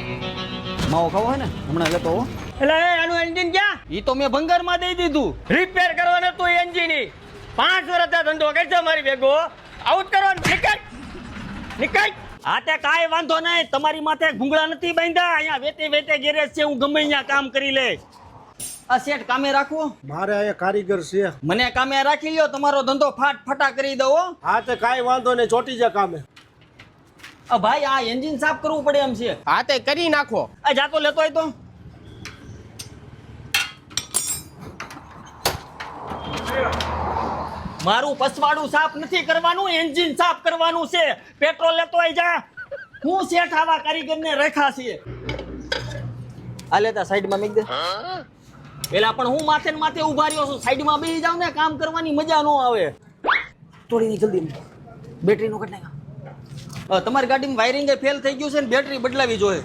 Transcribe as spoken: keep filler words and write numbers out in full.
માવો ખાવો હે ને હમણાં લેતો હો. એટલે એ આનું એન્જિન ક્યાં? ઈ તો મેં ભંગારમાં દઈ દીધું. રિપેર કરવાનો તું એન્જિન ઈ પાંચ વર્ષ ધંધો કરજો મારી ભેગો આઉટ કરવાનો નીકળ નીકળ. હા તે કાંઈ વાંધો નહીં, તમારી માથે ભૂંગળા નથી બાંધ્યા, અહીંયા વેતે વેતે ગેરેજ છે, હું ગમે અહીંયા કામ કરી લે. આ શેઠ કામે રાખવો? મારે અહીંયા કારીગર છે. મને કામે રાખી લ્યો, તમારો ધંધો ફાટ ફટા કરી દો. હા તે કાંઈ વાંધો નહીં, ચોટી જા કામે. આ ભાઈ આ એન્જિન સાફ કરવું પડે એમ છે. હા તે કરી નાખો. આ જાતો લેતો હોય તો મારું પસવાડું સાફ નથી કરવાનું, એન્જિન સાફ કરવાનું છે. પેટ્રોલ લેતો હોય જા. હું શેઠ આવા કારીગરને રેખા છે. આ લેતા સાઈડમાં મેક દે. પેલા પણ હું માથે ને માથે ઉભા રહ્યો છું, સાઈડમાં બેસી જાવ ને, કામ કરવાની મજા ન આવે. થોડી જલ્દી બેટરી નો કટ નાખ. તમારી ગાડીમાં વાયરિંગ ફેલ થઈ ગયું છે ને બેટરી બદલાવી જોઈએ.